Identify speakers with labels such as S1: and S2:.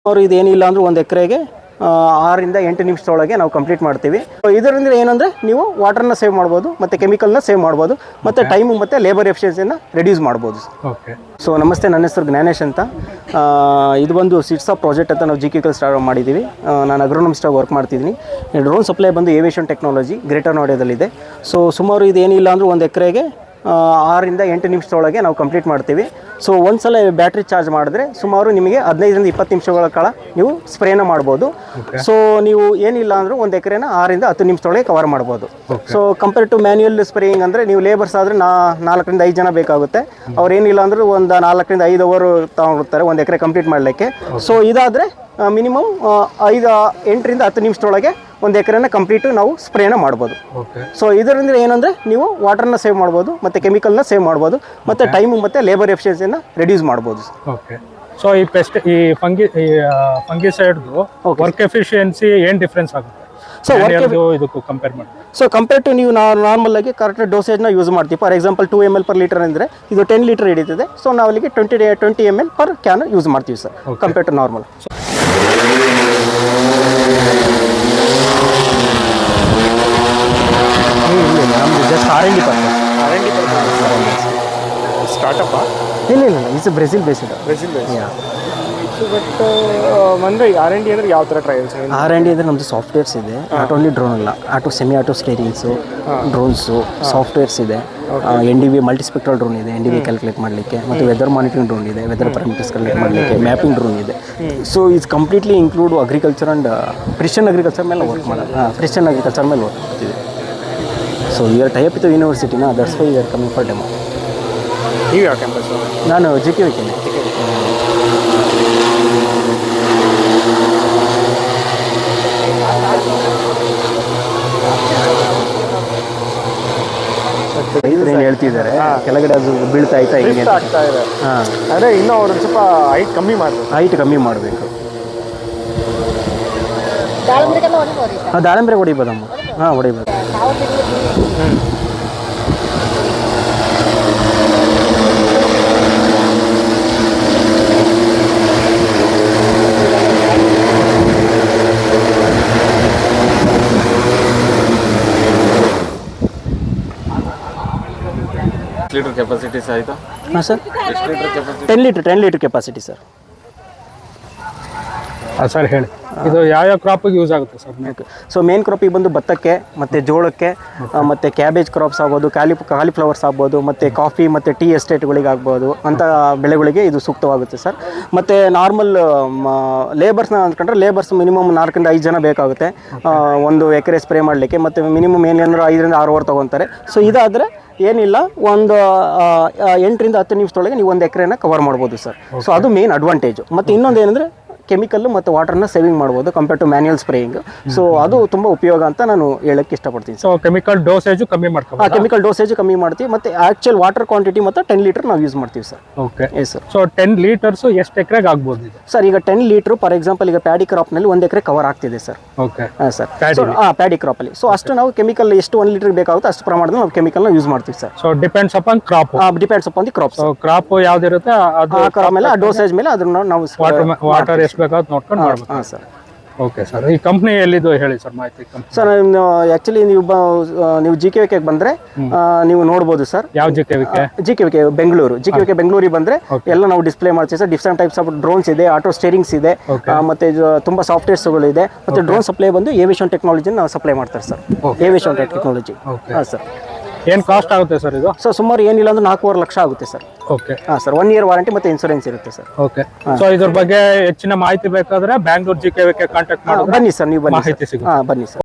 S1: ಅವರು ಇದೇನಿಲ್ಲ ಅಂದ್ರೆ ಒಂದು ಎಕರೆಗೆ 6 ರಿಂದ 8 ನಿಮಿಷದೊಳಗೆ ನಾವು ಕಂಪ್ಲೀಟ್ ಮಾಡ್ತೀವಿ. ಇದರಿಂದ ಏನಂದರೆ ನೀವು ವಾಟರ್ನ ಸೇವ್ ಮಾಡ್ಬೋದು ಮತ್ತು ಕೆಮಿಕಲ್ನ ಸೇವ್ ಮಾಡ್ಬೋದು ಮತ್ತು ಟೈಮು ಮತ್ತು ಲೇಬರ್ ಎಫಿಷಿಯನ್ಸಿಯನ್ನು ರೆಡ್ಯೂಸ್ ಮಾಡ್ಬೋದು.
S2: ಓಕೆ.
S1: ಸೊ ನಮಸ್ತೆ, ನನ್ನ ಹೆಸರು ಜ್ಞಾನೇಶ್ ಅಂತ. ಇದು ಒಂದು ಸಿಟ್ಸಾ ಪ್ರಾಜೆಕ್ಟ್ ಅಂತ ನಾವು GKK ಸ್ಟಾರ್ಟ್ ಮಾಡಿದ್ದೀವಿ. ನಾನು ಅಗ್ರೋನಮಿಸ್ಟಾಗಿ ವರ್ಕ್ ಮಾಡ್ತಿದ್ದೀನಿ. ಡ್ರೋನ್ ಸಪ್ಲೈ ಬಂದು ಏವಿಯೇಷನ್ ಟೆಕ್ನಾಲಜಿ ಗ್ರೇಟರ್ ನೋಯ್ಡಾದಲ್ಲಿದೆ. ಸೊ ಸುಮಾರು ಇದೇನಿಲ್ಲ ಅಂದ್ರೆ ಒಂದು ಎಕರೆಗೆ 6 ರಿಂದ 8 ನಿಮಿಷದೊಳಗೆ ನಾವು ಕಂಪ್ಲೀಟ್ ಮಾಡ್ತೀವಿ. ಸೊ ಒಂದು ಸಲ ಬ್ಯಾಟ್ರಿ ಚಾರ್ಜ್ ಮಾಡಿದ್ರೆ ಸುಮಾರು ನಿಮಗೆ 15 ರಿಂದ 20 ನಿಮಿಷಗಳ ಕಾಲ ನೀವು ಸ್ಪ್ರೇನ ಮಾಡ್ಬೋದು. ಸೊ ನೀವು ಏನಿಲ್ಲ ಅಂದರೂ ಒಂದು ಎಕರೆನ 6 ರಿಂದ 10 ನಿಮಿಷದೊಳಗೆ ಕವರ್ ಮಾಡ್ಬೋದು. So compare to manual spraying ಅಂದರೆ ನೀವು ಲೇಬರ್ಸ್ ಆದರೆ 4 ರಿಂದ 5 ಜನ ಬೇಕಾಗುತ್ತೆ. ಅವ್ರು ಏನಿಲ್ಲ ಅಂದರೂ ಒಂದು 4 ರಿಂದ 5 ಅವರ್ ತಗೊಂಡಿರ್ತಾರೆ ಒಂದು ಎಕರೆ ಕಂಪ್ಲೀಟ್ ಮಾಡಲಿಕ್ಕೆ. ಸೊ ಇದಾದರೆ ಮಿನಿಮಮ್ 8 ರಿಂದ 10 ನಿಮಿಷದೊಳಗೆ ಒಂದು ಎಕರೆನ ಕಂಪ್ಲೀಟು ನಾವು ಸ್ಪ್ರೇನ ಮಾಡ್ಬೋದು. ಸೊ ಇದರಿಂದ ಏನಂದರೆ ನೀವು ವಾಟರ್ನ ಸೇವ್ ಮಾಡ್ಬೋದು ಮತ್ತು ಕೆಮಿಕಲ್ನ ಸೇವ್ ಮಾಡ್ಬೋದು ಮತ್ತು ಟೈಮು ಮತ್ತು ಲೇಬರ್ ಎಫಿಷಿಯನ್ಸಿಯನ್ನು ರೆಡ್ಯೂಸ್ ಮಾಡ್ಬೋದು.
S2: ಓಕೆ. ಸೊ ಈ ಫಂಗಿಸೈಡ್ದು ವರ್ಕ್ ಎಫಿಷಿಯನ್ಸಿ ಏನು ಡಿಫ್ರೆನ್ಸ್ ಆಗುತ್ತೆ? ಸೊ ಇದಕ್ಕೂ ಕಂಪೇರ್ ಮಾಡಿ.
S1: ಸೊ ಕಂಪೇರ್ ಟು ನೀವು ನಾರ್ಮಲ್ ಆಗಿ ಕರೆಕ್ಟ್ ಡೋಸೇಜ್ನ ಯೂಸ್ ಮಾಡ್ತೀವಿ. For example 2 ml per litre ಅಂದರೆ ಇದು 10 ಲೀಟರ್ ಹಿಡಿತದೆ. ಸೊ ನಾವು ಅಲ್ಲಿಗೆ 20 ml per ಕ್ಯಾನ್ ಯೂಸ್ ಮಾಡ್ತೀವಿ ಸರ್, ಕಂಪೇರ್ ಟು ನಾರ್ಮಲ್. ನಮ್ಮದು ಜಸ್ಟ್ R&D
S3: ಸ್ಟಾರ್ಟಪ್
S1: ಇಲ್ಲ ಇಟ್ಸ್ ಬ್ರೆಜಿಲ್ ಬೇಸ್ಡ್.
S3: ಬಟ್ ಅಂದರೆ R&D ಅಂದರೆ ಯಾವ ಥರ ಟ್ರಯಲ್ಸ್?
S1: R&D ಅಂದರೆ ನಮ್ಮದು ಸಾಫ್ಟ್ವೇರ್ಸ್ ಇದೆ. ನಾಟ್ ಓನ್ಲಿ ಡ್ರೋನ್ ಅಲ್ಲ, semi auto steerings, drones, softwares ಇದೆ. NDV ಮಲ್ಟಿಸ್ಪೆಕ್ಟ್ರಲ್ ಡ್ರೋನ್ ಇದೆ, NDV ಕ್ಯಾಲ್ಕುಲೇಟ್ ಮಾಡಲಿಕ್ಕೆ, ಮತ್ತು ವೆದರ್ ಮಾನಿಟರಿಂಗ್ ಡ್ರೋನ್ ಇದೆ, ವೆದರ್ ಪ್ಯಾರಾಮೀಟರ್ಸ್ ಕ್ಯಾಲ್ಕುಲೇಟ್ ಮಾಡಲಿಕ್ಕೆ, ಮ್ಯಾಪಿಂಗ್ ಡ್ರೋನ್ ಇದೆ. So it's completely include agriculture and precision agriculture ಮೇಲೆ ವರ್ಕ್ ಮಾಡೋದು. ಪ್ರಿಸಿಷನ್ ಅಗ್ರಿಕಲ್ಚರ್ ಮೇಲೆ ವರ್ಕ್ ಮಾಡ್ತೀವಿ. So we are tie up with ಯೂನಿವರ್ಸಿಟಿನ, that's why we are coming for demo.
S3: ನೀವು ಯಾವ ಕ್ಯಾಂಪಸ್?
S1: ನಾನು GKK. ಏನು ಹೇಳ್ತಿದ್ದಾರೆ, ಕೆಳಗಡೆ ಅದು ಬೀಳ್ತಾ ಆಯ್ತಾ ಹಿಂಗೆ
S3: ಆಗ್ತಾ ಇದೆ. ಅಂದರೆ ಇನ್ನೂ ಅವ್ರು ಸ್ವಲ್ಪ ಹೈಟ್ ಕಮ್ಮಿ ಮಾಡಬೇಕು.
S1: ದಾಳಿಂಬ್ರೆ ಹೊಡಿಬೋದಮ್ಮ. ಹೊಡಿಬೋದು.
S3: ಲೀಟರ್ ಕೆಪಾಸಿಟಿ ಆಯಿತಾ?
S1: ಹಾಂ sir, 10 litre capacity sir.
S2: Sir ಹೇಳಿ, ಇದು ಯಾವ ಕ್ರಾಪಿಗೆ ಯೂಸ್ ಆಗುತ್ತೆ ಸರ್?
S1: ಸೊ ಮೇನ್ ಕ್ರಾಪಿಗೆ ಬಂದು ಭತ್ತಕ್ಕೆ ಮತ್ತು ಜೋಳಕ್ಕೆ ಮತ್ತು ಕ್ಯಾಬೇಜ್ ಕ್ರಾಪ್ಸ್ ಆಗ್ಬೋದು, ಕಾಲಿಫ್ಲವರ್ಸ್ ಆಗ್ಬೋದು, ಮತ್ತು ಕಾಫಿ ಮತ್ತು ಟೀ ಎಸ್ಟೇಟ್ಗಳಿಗೆ ಆಗ್ಬೋದು ಅಂಥ ಬೆಳೆಗಳಿಗೆ ಇದು ಸೂಕ್ತವಾಗುತ್ತೆ ಸರ್. ಮತ್ತು ನಾರ್ಮಲ್ ಲೇಬರ್ಸ್ನ ಅಂದ್ಕೊಂಡ್ರೆ ಲೇಬರ್ಸ್ ಮಿನಿಮಮ್ 4 ರಿಂದ 5 ಜನ ಬೇಕಾಗುತ್ತೆ ಒಂದು ಎಕರೆ ಸ್ಪ್ರೇ ಮಾಡಲಿಕ್ಕೆ. ಮತ್ತು ಮಿನಿಮಮ್ ಏನೇನಾದ್ರು 5 ರಿಂದ 6 ಅವರ್ ತೊಗೊತಾರೆ. ಸೊ ಇದಾದರೆ ಏನಿಲ್ಲ ಒಂದು 8 ರಿಂದ 10 ನಿಮಿಷದೊಳಗೆ ನೀವು ಒಂದು ಎಕರೆನ ಕವರ್ ಮಾಡ್ಬೋದು ಸರ್. ಸೊ ಅದು ಮೇನ್ ಅಡ್ವಾಂಟೇಜು. ಮತ್ತು ಇನ್ನೊಂದು ಏನಂದರೆ ಕೆಮಿಕಲ್ ಮತ್ತು ವಾಟರ್ನ ಸೇವಿಂಗ್ ಮಾಡ್ಬೋದು compare to manual spraying. So ಅದು ತುಂಬ ಉಪಯೋಗ ಅಂತ ನಾನು ಹೇಳಕ್ಕೆ ಇಷ್ಟಪಡ್ತೀನಿ.
S2: ಸೊ ಕೆಮಿಕಲ್ ಡೋಸೇಜು ಕಮ್ಮಿ ಮಾಡ್ತೀವಿ.
S1: ಕೆಮಿಕಲ್ ಡೋಸೇಜ್ ಕಮ್ಮಿ ಮಾಡ್ತೀವಿ ಮತ್ತು ಆ್ಯಕ್ಚುಯಲ್ ವಾಟರ್ ಕ್ವಾಂಟಿಟಿ ಮತ್ತು 10 ಲೀಟರ್ ನಾವು ಯೂಸ್ ಮಾಡ್ತೀವಿ sir.
S2: Okay.
S1: Yes sir.
S2: So 10 litres ಎಷ್ಟು ಎಕರೆಗೆ ಆಗ್ಬೋದು ಇದು
S1: ಸರ್? ಈಗ 10 ಲೀಟ್ರು ಫಾರ್ ಎಕ್ಸಾಂಪಲ್ ಈಗ ಪ್ಯಾಡಿ ಕ್ರಾಪ್ನಲ್ಲಿ 1 ಎಕರೆ ಕವರ್ ಆಗ್ತಿದೆ ಸರ್.
S2: ಓಕೆ.
S1: ಹಾಂ ಸರ್, ಪ್ಯಾಡಿ ಕ್ರಾಪಲ್ಲಿ. ಸೊ ಅಷ್ಟು ನಾವು ಕೆಮಿಕಲ್ ಎಷ್ಟು 1 ಲೀಟರ್ ಬೇಕಾಗುತ್ತೆ ಅಷ್ಟು ಪ್ರಮಾಣದಲ್ಲಿ ನಾವು ಕೆಮಿಕಲ್ನ ಯೂಸ್ ಮಾಡ್ತೀವಿ sir.
S2: So depends upon crop.
S1: Depends upon the crop.
S2: So crop ಯಾವ್ದಿರುತ್ತೆ ಅದು
S1: ಆಮೇಲೆ ಆ ಡೋಸೇಜ್ ಮೇಲೆ ಅದನ್ನ ನಾವು
S2: ವಾಟರ್ ಎಷ್ಟು ಬೇಕಾಗುತ್ತೆ ನೋಡ್ಕೊಂಡು ಮಾಡ್ಬೇಕು.
S1: ಹಾಂ ಸರ್.
S2: Okay sir. ಈ ಕಂಪ್ನಿ ಎಲ್ಲಿದು ಹೇಳಿ ಸರ್ ಮಾಹಿತಿ?
S1: ಸರ್ ಆ್ಯಕ್ಚುಲಿ ನೀವು GKK ಬಂದರೆ ನೀವು ನೋಡ್ಬೋದು ಸರ್.
S2: ಯಾವ GKK?
S1: ಬೆಂಗಳೂರು. GKK ಬೆಂಗಳೂರಿಗೆ ಬಂದರೆ ಎಲ್ಲ ನಾವು ಡಿಸ್ಪ್ಲೇ ಮಾಡ್ತೀವಿ sir. Different types of drones ಇದೆ, ಆಟೋ ಸ್ಟೇರಿಂಗ್ಸ್ ಇದೆ, ಮತ್ತು ತುಂಬ ಸಾಫ್ಟ್ವೇರ್ಸ್ಗಳು ಇದೆ. ಮತ್ತು ಡ್ರೋನ್ ಸಪ್ಲೈ ಬಂದು ಏವಿಯೇಷನ್ ಟೆಕ್ನಾಲಜಿನ ನಾವು ಸಪ್ಲೈ ಮಾಡ್ತಾರೆ ಸರ್. Aviation technology. ಹಾಂ ಸರ್.
S2: ಏನು ಕಾಸ್ಟ್ ಆಗುತ್ತೆ ಸರ್ ಇದು?
S1: ಸೊ ಸುಮಾರು ಏನಿಲ್ಲ ಅಂದ್ರೆ 4.5 ಲಕ್ಷ ಆಗುತ್ತೆ ಸರ್.
S2: ಓಕೆ.
S1: ಹಾಂ ಸರ್, 1 ಇಯರ್ ವಾರಂಟಿ ಮತ್ತು ಇನ್ಸೂರೆನ್ಸ್ ಇರುತ್ತೆ ಸರ್.
S2: ಓಕೆ. ಸೊ ಇದ್ರ ಬಗ್ಗೆ ಹೆಚ್ಚಿನ ಮಾಹಿತಿ ಬೇಕಾದ್ರೆ ಬ್ಯಾಂಗ್ಳೂರ್ GKK ಕಾಂಟ್ಯಾಕ್ಟ್ ಮಾಡಿ
S1: ಬನ್ನಿ ಸರ್. ನೀವು ಬನ್ನಿ.
S2: ಮಾಹಿತಿ ಸಿಗುತ್ತೆ.
S1: ಬನ್ನಿ ಸರ್.